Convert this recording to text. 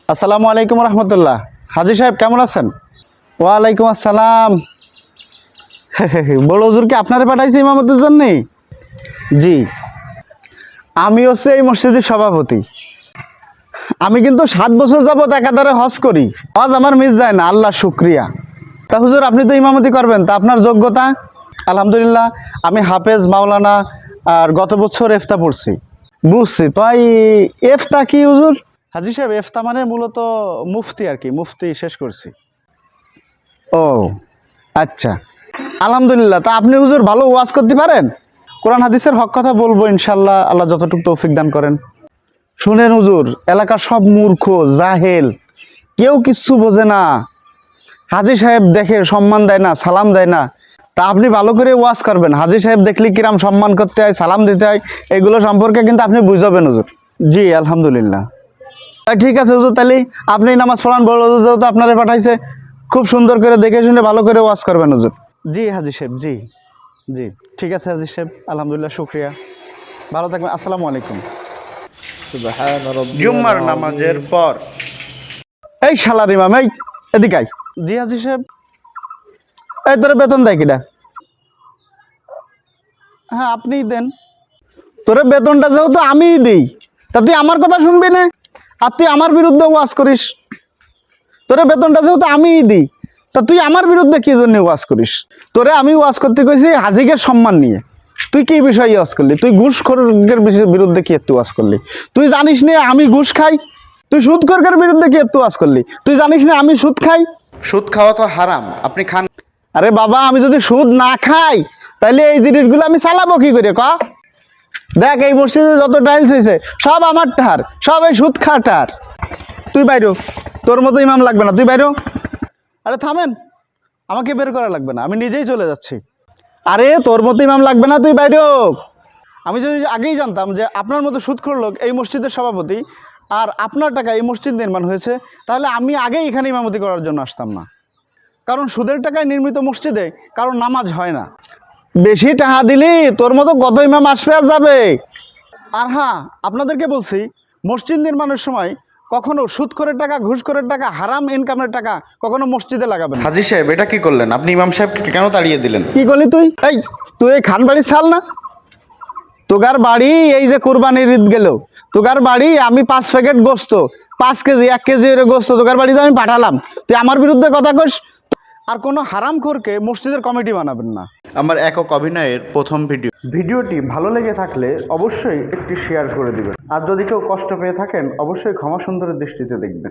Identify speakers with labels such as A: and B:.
A: আসসালামু আলাইকুম রহমতুল্লাহ। হাজি সাহেব কেমন আছেন? ওয়ালাইকুম আসসালাম। বড় হুজুর কি আপনারে পাঠাইছে ইমামতের জন্য? জি, আমি হচ্ছে এই মসজিদের সভাপতি। আমি কিন্তু 7 বছর যাবত একাধারে হজ করি। হজ আমার মিস যায় না, আল্লাহ শুক্রিয়া। তা হুজুর আপনি তো ইমামতি করবেন, তা আপনার যোগ্যতা? আলহামদুলিল্লাহ, আমি হাফেজ মাওলানা আর গত বছর এফতা পড়ছি। বুঝছি। তাই এফতা কি হুজুর? হাজি সাহেব, এফতা মানে মূলত মুফতি আর কি, মুফতি শেষ করছি। ও আচ্ছা, আলহামদুলিল্লাহ। তা আপনি হুজুর ভালো ওয়াজ করতে পারেন? কোরআন হাদিসের হক কথা বলবো ইনশাল্লাহ, আল্লাহ যতটুকু তৌফিক দান করেন। শুনেন হুজুর, এলাকার সব মূর্খ জাহেল, কেউ কিচ্ছু বোঝে না। হাজি সাহেব দেখে সম্মান দেয় না, সালাম দেয় না। তা আপনি ভালো করে ওয়াজ করবেন। হাজি সাহেব দেখলে কিরাম সম্মান করতে হয়, সালাম দিতে হয়, এগুলো সম্পর্কে কিন্তু আপনি বুঝাবেন হুজুর। জি আলহামদুলিল্লাহ। ঠিক আছে হুজুর, তাহলে আপনি নামাজ পড়ান, বড় হুজুর যেহেতু আপনারে পাঠাইছে, খুব সুন্দর করে দেখে শুনে ভালো করে ওয়াজ করবেন হুজুর। জি হাজি সাহেব, জি জি, ঠিক আছে হাজি সাহেব, আলহামদুলিল্লাহ, শুক্রিয়া। ভালো থাকবেন, আসসালামু আলাইকুম।
B: সুবহান রাব্বিয়াল
A: জুম্মার
B: আযীম।
A: নামাজের পর এই শালার ইমাম, এই এদিকে আয়। জি হাজি সাহেব। এই তোরে বেতন দেয় কিটা? হ্যাঁ আপনিই দেন। তোরে বেতনটা যেহেতু আমিই দিই, তা তুই আমার কথা শুনবি না, আর তুই আমার বিরুদ্ধে ওয়াজ করিস। তোরে বেতনটা যেহেতু আমিই দিই, তা তুই আমার বিরুদ্ধে কি জন্য ওয়াজ করিস? তোরে আমি ওয়াজ করতে কইছি হাজিকে সম্মান নিয়ে, তুই কি বিষয়ে ওয়াজ করলি? তুই ঘুষখোরের বিরুদ্ধে কি একটু ওয়াজ করলি? তুই জানিস না আমি ঘুষ খাই? তুই সুদখোরের বিরুদ্ধে কি একটু ওয়াজ করলি? তুই জানিস না আমি সুদ খাই?
B: সুদ খাওয়া তো হারাম, আপনি খান।
A: আরে বাবা, আমি যদি সুদ না খাই তাহলে এই জিনিসগুলো আমি চালাবো কি করে ক? দেখ এই মসজিদে যত টাইলস হয়েছে সব আমার টার, সব এই সুদ খাটার। তুই বাইরো, তোর মতো ইমাম লাগবে না, তুই বাইরো। আরে থামেন, আমাকে বের করা লাগবে না, আমি নিজেই চলে যাচ্ছি। আরে তোর মতো ইমাম লাগবে না, তুই বাইরো। আমি যদি আগেই জানতাম যে আপনার মতো সুদখোর লোক এই মসজিদের সভাপতি আর আপনার টাকা এই মসজিদ নির্মাণ হয়েছে, তাহলে আমি আগেই এখানে ইমামতি করার জন্য আসতাম না। কারণ সুদের টাকায় নির্মিত মসজিদে কারণ নামাজ হয় না। বেশি টাকা দিলি তোর মতো কত ইমাম আসবে আর যাবে। আর হ্যাঁ, আপনাদেরকে বলছি, মসজিদ নির্মাণের সময় কখনো সুদখোরের টাকা, ঘুষখোরের টাকা, হারাম ইনকামের টাকা কখনো মসজিদে লাগাবেন না।
B: হাজি সাহেব, এটা কি করলেন? আপনি ইমাম সাহেবকে কেন তাড়িয়ে দিলেন?
A: কি করলি তুই? এই তুই এই খান বাড়ির ছাল না? তোগার বাড়ি এই যে কোরবানির ঈদ গেল, তোগার বাড়ি আমি 5 প্যাকেট গোস্ত, 5 কেজি 1 কেজি এর গোস্ত তোগার বাড়িতে আমি পাঠালাম, তুই আমার বিরুদ্ধে কথা কস? আর কোনো হারামখোরকে মসজিদের কমিটি বানাবেন না।
B: আমার একক অভিনয়ের প্রথম
A: ভিডিওটি ভালো লেগে থাকলে অবশ্যই একটি শেয়ার করে দিবেন, আর যদি কেউ কষ্ট পেয়ে থাকেন অবশ্যই ক্ষমা সুন্দরের দৃষ্টিতে দেখবেন।